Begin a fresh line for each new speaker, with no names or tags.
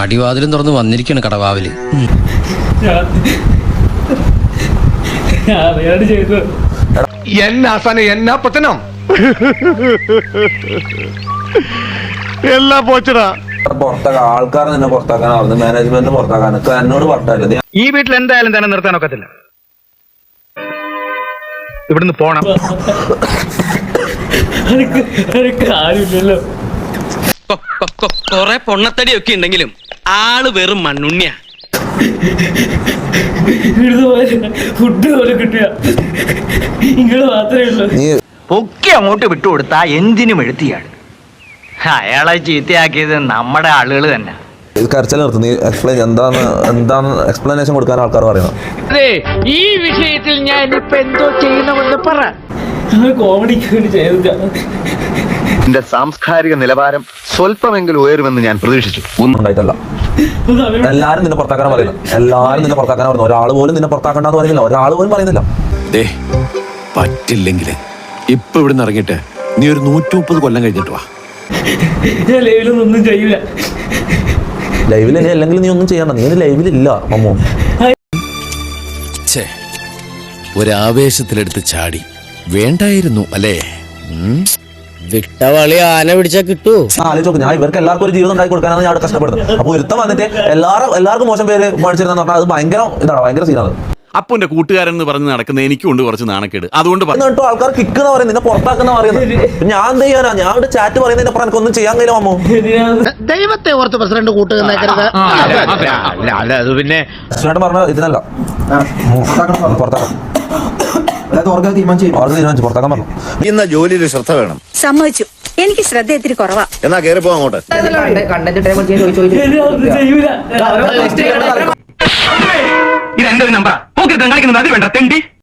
അടിവാതിലും തുറന്ന് വന്നിരിക്കാണ് കടവാവില്.
എന്നാ പത്തനം എല്ലാം പോച്ചടാ.
പുറത്താക്കാൻ ആൾക്കാർ നിന്നെ പുറത്താക്കാനാവുന്നു, മാനേജ്മെന്റ് പുറത്താക്കാൻ എന്നോട് പറഞ്ഞില്ല.
ഈ വീട്ടിൽ എന്തായാലും തന്നെ നിർത്താനൊക്കത്തില്ല. ഇവിടുന്ന് പോണം.
കാര്യമില്ലല്ലോ.
കൊറേ പൊണ്ണത്തടിയൊക്കെ ഉണ്ടെങ്കിലും ആള് വെറും മണ്ണുണ്ണിയാ.
ഫുഡ് പോലെ കിട്ടിയ ഇങ്ങള് മാത്രമേ ഉള്ളൂ.
പൊക്കി അങ്ങോട്ട് വിട്ടുകൊടുത്താ എന്തിനും എഴുത്തിയാണ്. അയാളെ ചീത്തയാക്കിയത് നമ്മുടെ ആളുകൾ തന്നെ.
കരച്ചിൽ നിർത്തി. നീ എക്സ്പ്ലെയിൻ എന്താണ് എക്സ്പ്ലനേഷൻ കൊടുക്കാൻ ആൾക്കാർ പറയുന്നത്.
അതെ, ഈ വിഷയത്തിൽ ഞാൻ ഇപ്പൊ എന്തോ ചെയ്യണമെന്ന് പറ. കോമഡിക്ക് വേണ്ടി ചെയ്ത
എന്റെ സാംസ്കാരിക നിലവാരം സ്വല്പമെങ്കിലും ഉയരുമെന്ന് ഞാൻ പ്രതീക്ഷിച്ചു.
ഒന്നും ഉണ്ടായിട്ടല്ല. എല്ലാരും നിന്നെ പുറത്താക്കാൻ പറയുന്നു. എല്ലാരും നിന്നെ പുറത്താക്കാൻ പറയുന്നു. ഒരാൾ പോലും നിന്നെ പുറത്താക്കണ്ടെന്ന് പറയുന്നില്ല. ഒരാൾ പോലും പറയുന്നില്ല.
പറ്റില്ലെങ്കിൽ ഇപ്പൊ ഇവിടുന്ന് ഇറങ്ങിയിട്ട് നീ ഒരു 130 കൊല്ലം കഴിഞ്ഞിട്ട് വാ.
ഞാൻ ലൈവിലൊന്നും ചെയ്യൂല.
ലൈവിൽ നീ അല്ലെങ്കിൽ നീ ഒന്നും ചെയ്യണ്ട. നീ ലൈവിലില്ല മമ്മൂ.
ഒരാവേശത്തിലെടുത്ത് ചാടി വേണ്ടായിരുന്നു അല്ലേ?
വിട്ടവളി ആന പിടിച്ചാ കിട്ടൂ.
ആലോചിച്ചോക്ക്, ഞാൻ ഇവർക്ക് എല്ലാവർക്കും ഒരു ജീവിതം ഉണ്ടാക്കി കൊടുക്കാനാണ് ഞാൻ കഷ്ടപ്പെടുന്നത്. അപ്പൊ ഒരുത്തം വന്നിട്ട് എല്ലാവർക്കും മോശം പേര് മേടിച്ചിരുന്ന പറഞ്ഞാൽ അത് ഭയങ്കര ഇതാണ്, ഭയങ്കര സീനാണ്.
അപ്പന്റെ കൂട്ടുകാരൻ എന്ന് പറഞ്ഞ് നടക്കുന്ന എനിക്കുണ്ട് കുറച്ച് നാണക്കേട്. അതുകൊണ്ട്
കേട്ടോ ആൾക്കാർ കിക്കുന്ന പറയുന്നത്, നിന്നെ പുറത്താക്കുന്ന പറയുന്നത്. ഞാൻ എന്ത് ചെയ്യാനാ? ഞാൻ ഇവിടെ ചാറ്റ് പറയുന്നതിന്റെ അപ്പുറം എനിക്കൊന്നും ചെയ്യാൻ കഴിയില്ല മമ്മൂ.
ദൈവത്തെ ഓർത്ത് പ്രസിഡന്റ് കൂട്ടുകരുത്.
അത് പിന്നെ
പ്രസിഡന്റ് പറഞ്ഞ ഇതിനല്ല, പുറത്താക്കാം. തീരുമാനിച്ചു പുറത്താക്കാൻ പറഞ്ഞു.
ഇന്ന ജോലിയിൽ ശ്രദ്ധ വേണം.
സമ്മതിച്ചു. എനിക്ക് ശ്രദ്ധ ഇത്തിരി കുറവാ.
എന്നാ കയറി പോവാ അങ്ങോട്ട്.
ചെയ്യൂല.
ഇത് എന്റെ ഒരു നമ്പറാ. കളിക്കുന്നത് അത് വേണ്ട തെണ്ടി.